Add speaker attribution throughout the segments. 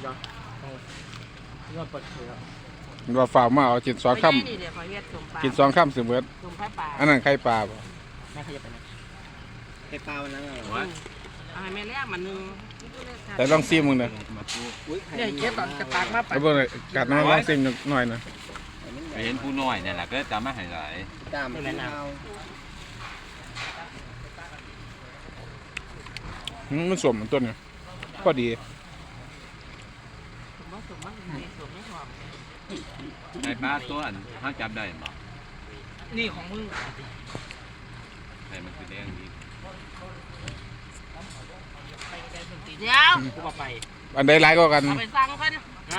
Speaker 1: เนาะยอดปลดเชื้อ
Speaker 2: มันว่าฝ่าวมาเอากิน2 ค่ำกิน2 ค่ำสิเบิดอันนั้นไข่ปลาบ่
Speaker 1: แม่ขยับไปนะไข่ปลาวันนั้นเหรอวะ
Speaker 3: แม่แรกมันนึง
Speaker 2: แต่ลองซิมมึงนะ
Speaker 1: เนี่ยเก็บก่อนจะปากมาไป
Speaker 2: เอาเบิ่งกัดน้ำลองซิมหน่อยนะ
Speaker 4: ไปเห็นผู้น้อยเนี่ยแหละก็จำมาให้หลาย
Speaker 1: ตามไม่เอา
Speaker 2: มันสมมันต้นเนี่ยพอดี
Speaker 4: ไอ้ปลาตัวอันเขาจับได้บ่
Speaker 1: นี่ของมึง
Speaker 4: ไอ้มันคือแดงดี
Speaker 3: เดี๋ยว
Speaker 1: กูบอกไป
Speaker 2: อันใดหลายกว่ากัน
Speaker 3: เอาไปสั่งกัน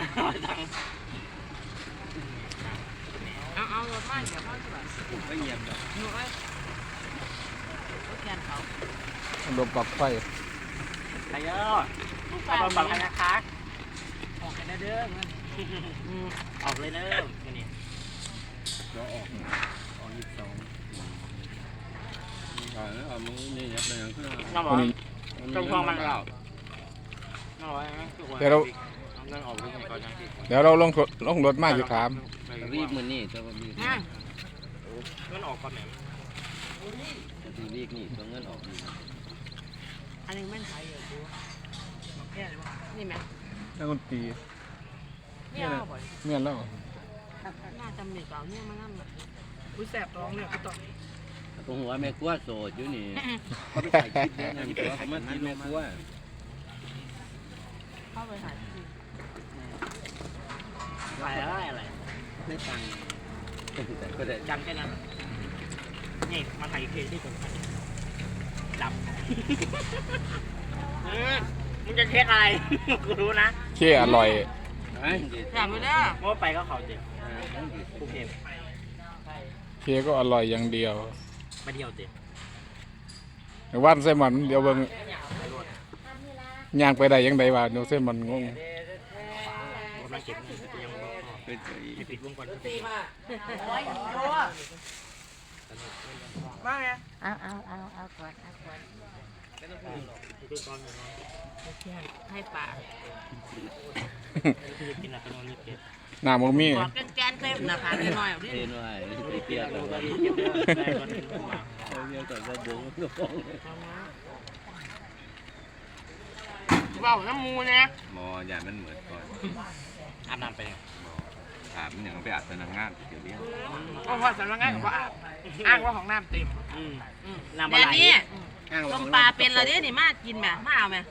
Speaker 3: เอารถมาเดี๋ยวพ่อจะแบบ
Speaker 1: ไม่เงียบเลย
Speaker 3: หนูไอ้แกนเขา
Speaker 2: ลมปลักไฟ
Speaker 1: ใครเยอะเอาบัตรให้นะคะออกกันเด้อออกเลยเด้อนี่ก็ออกเอามึงนี่ยับเลยยังขึ้นน้ำร้อนจงพองมันเราน้ำร้อนไหม
Speaker 2: เดี๋ยวเรา
Speaker 1: นั่งออกด้วยกันก่อนนะ
Speaker 2: เดี๋ยวเราลงรถมาอยู่ถาม
Speaker 1: รีบมือนี่จะรีบเงินออกก่อนไหนรีบนี่ตัวเงินออก
Speaker 3: อันนี้ไม่ใช่เหรอดูนี่ไหม
Speaker 2: นักดนตรี
Speaker 3: นี่เอาบ่อย
Speaker 2: เมียนแล้ว
Speaker 3: น่าจะมีเปล่าเนี่ยมันนั่นแบบอุ้ยแสบท้องเนี่ยก็ต้อง
Speaker 1: ตรงหัวแม่กัวโสดอยู่นี่เขาไปถ่ายคลิปเนี่ยนี่ตัวเขามากินแม่กัว
Speaker 3: เข้าไปถ่ายที่
Speaker 1: อะไรไม่ตังก็ได้จำแค่นั้นนี่มาถ่ายเพลงที่ผมดับมึงจะเช็คอะไรกูรู้นะ
Speaker 2: เชี่ยอร่อย
Speaker 3: อยากไปเด้อ
Speaker 1: เมื่อไปก็เขาเจ็บกูเพลง
Speaker 2: เชี่ยก็อร่อยอย่างเดียว
Speaker 1: มาเดียวเจ็บ
Speaker 2: ว่านไส้มันเดี๋ยวเบิ่งย่างไปได้ยังไงวะเดี๋ยวไส้มันงง
Speaker 1: กำลังเก็บเงินยังไม่ปิดวงก่อนปิด
Speaker 3: มาไงเอาก่อนให้ป่า
Speaker 1: กินอะไรกันนอนนี่เก็บ
Speaker 2: หน้ามันมี
Speaker 3: บอกแกนเคยนะคะน้อยๆดิ
Speaker 1: เทนไว้เปียกเลยได้ก่อนเรียกแต่ว่าบงก็ฟ้อง
Speaker 3: เบาน้ำมูนะ
Speaker 4: มออย่ามันเหมือนก่อน
Speaker 1: อาบน้ำไป
Speaker 4: อาบมันอย่างไปอาบสนามงานเดี๋ยวเลี้ยง
Speaker 3: เพราะว่าสำนักงานเขาอาบอ้างว่าของน้ำเต็ม
Speaker 1: น้ำ
Speaker 3: เดี๋
Speaker 1: อะ
Speaker 3: ยว
Speaker 1: ไร
Speaker 3: นี้ต้มปลาเป็นอะไรนี่มากินแบบมาเอาไหม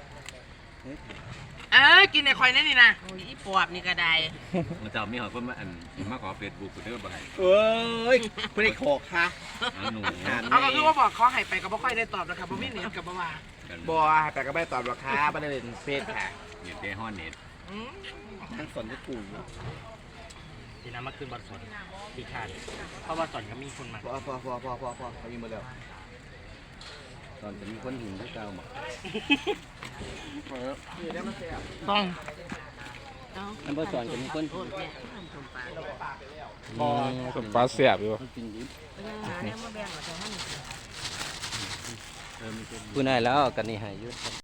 Speaker 3: กินในคอยนั่นนี่นะโอ้ยอีปอบนี่ก็ได้
Speaker 4: มันจะมีหอยคนมาอันมาขอเฟซบุ๊กกูเด้อบ่ให้
Speaker 1: เอ้ยไม่ได้ขอค่ะ
Speaker 4: หนู
Speaker 3: เอาก็คือว่าบอกเขาให้ไปก็ไม่ค่อยได้ตอบนะครับเพราะไม่เนียนกับบ่า
Speaker 1: บัวแต่ก็ไม่ตอบราคาประเด็นเฟซค่ะ
Speaker 4: เน็ตเดฮอนเน็ต
Speaker 1: ทั้งสนก็กูทีน้ำมาคืนบัตรสนดีขาดเพราะว่าสนก็มีคนมาพอเขายิงมาแล้วตอนจะมีคนหินที่เก่าหมดต้องน้ำบัตรสนจะมีคนหิน
Speaker 2: สมปลาเสียบอยู่
Speaker 1: พูดได้แล้วกันนี่หายยุ